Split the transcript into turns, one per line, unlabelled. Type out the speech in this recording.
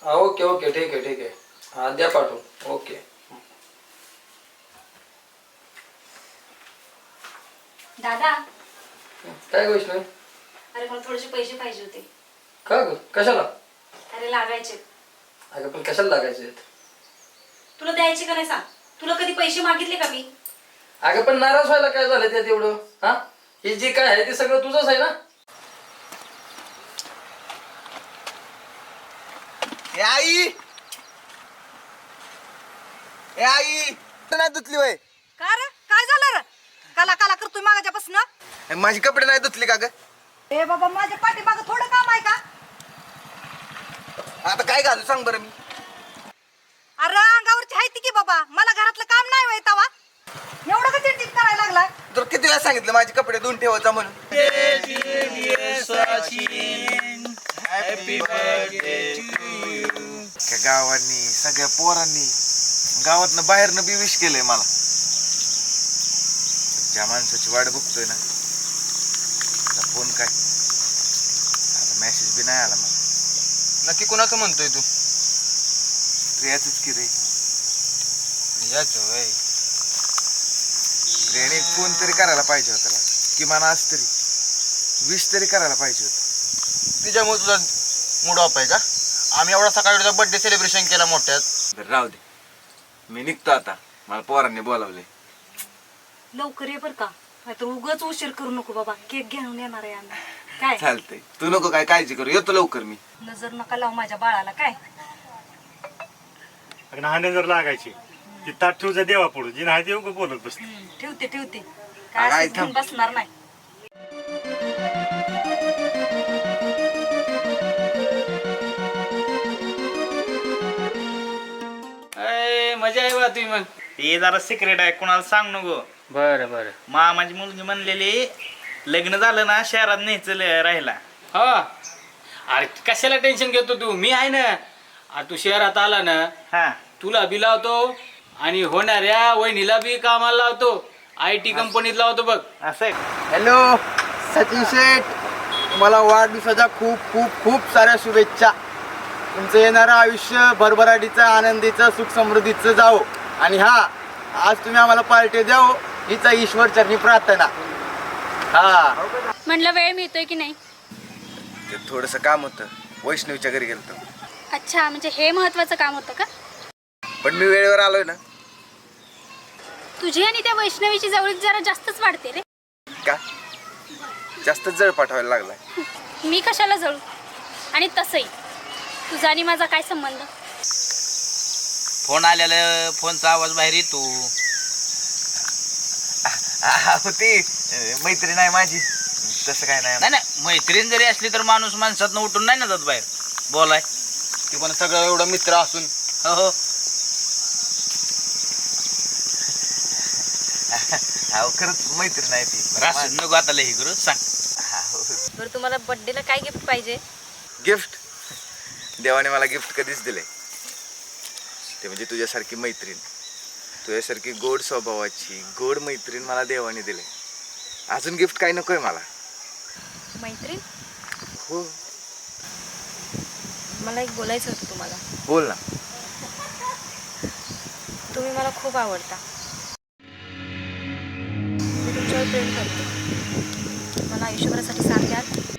हा okay okay ठीक आहे ठीक आहे. हा द्या पाठवून. ओके.
दादा,
काय वैष्णवी?
अरे मला थोडेसे पैसे पाहिजे होते.
का ग कशाला?
अरे लागायचे.
अगं पण कशाला लागायचे?
तुला द्यायचे का नाही सांग. तुला कधी पैसे मागितले का मी?
अगं पण नाराज व्हायला काय झालं त्यात एवढं? हा हे जे काय आहे ते सगळं तुझंच आहे ना.
ए आई, ए आई नाही धुतली वय.
का रे काय झालं रे? काला काला करतोय मागाच्यापासून.
माझी कपडे नाही धुतली का ग?
ए बाबा माझ्या पाठीमागं थोडं काम आहे का?
आता काय घालू सांग बरं मी.
अरे अंगावरची हायती की बाबा, मला घरातलं काम नाही होय तवा. एवढं का चिडचिड करायला लागलाय?
तुला किती वेळा सांगितलं माझे कपडे धुवून ठेवायचा म्हणून. गावांनी सगळ्या पोरांनी गावातनं बाहेरनं बी विश केलंय मला. ज्या माणसाची वाट बघतोय ना त्याचा फोन काय मेसेज बी नाही आला मला.
नक्की कोणाचं म्हणतोय तू?
प्रियाच की रे.
याच वय
प्रियाने फोन तरी करायला पाहिजे होता त्याला, किमान आज तरी विश तरी करायला पाहिजे होत.
तिच्यामुळे तुझा मूड ऑफ आहे का? आम्ही एवढा सकाळी तुझा बर्थडे सेलिब्रेशन केला मोठ्यात.
बरं राहू दे, मी निघतो आता. मला पोरांनी बोलावले.
लवकर ये बर का, नाहीतर उगाच उशीर करू नको बाबा. केक घेऊन येणार आहे आम्ही. काय
चालतंय, तू नको काय काळजी करू, येतो लवकर मी.
नजर नका लावू माझ्या बाळाला. काय
हांडे जर लागायची ती ताट ठेवूचा देवा पुढे जी नाही ते बोलत बसते.
ठेवते ठेवते.
अगं,
काय
आई
असं घेऊन बसणार नाही.
मजा आहे बा तुम्ही. मग
हे जरा सिक्रेट आहे, कोणाला सांग नको.
बरं बरं.
मामाची मुलगी म्हणलेली लग्न झालं ना शहरात न्यायचं राहिला.
हा अरे कशाला टेन्शन घेतो तू? मी आहे ना. तू शहरात आला ना
हा
तुला बी लावतो आणि होणाऱ्या वहिनीला बी कामाला लावतो. IT कंपनीत लावतो बघ.
असं आहे.
हॅलो सचिन शेठ, तुम्हाला वाढदिवसाच्या खूप खूप खूप साऱ्या शुभेच्छा. तुमचं येणारं आयुष्य भरभराटीचं, आनंदीचं, सुख समृद्धीचं जावो. आणि हा आज तुम्ही आम्हाला पार्टी द्यावं हीच ईश्वर चरणी प्रार्थना. हा
म्हणलं वेळ मिळतोय की नाही?
ते थोडंसं काम होतं, वैष्णवीच्या घरी गेलतो.
अच्छा, म्हणजे हे महत्वाचं काम होतं का?
पण मी वेळेवर आलोय ना.
तुझी आणि त्या वैष्णवीची जवळीक जरा जास्तच वाढते रे.
का जास्त जळ पाठवायला लागलाय?
मी कशाला जळू? आणि तसंही तुझा आणि माझा काय संबंध?
फोन आलेला, फोनचा आवाज बाहेर येतो.
होती मैत्रीण आहे माझी, तसं काय नाही.
नाही नाही, मैत्रीण जरी असली तर माणूस माणसातनं उठून नाही ना जात बाहेर बोलाय.
ते पण सगळं एवढं मित्र असून.
हो हो.
खरंच मैत्रीण आहे ती.
रास नको आता लई करू सांग.
बरं, तुम्हाला बर्थडेला काय गिफ्ट पाहिजे?
गिफ्ट देवाने मला गिफ्ट कधीच दिलंय ते म्हणजे तुझ्यासारखी मैत्रीण, तुझ्यासारखी गोड स्वभावाची गोड मैत्रीण मला देवाने दिले. अजून गिफ्ट काय नकोय मला.
मैत्रीण?
हो
मला एक बोलायचं होतं तुम्हाला.
बोल ना.
तुम्ही मला खूप आवडता. मी तुमच्यावर प्रेम करते. मला आयुष्यभरासाठी साथ द्याल?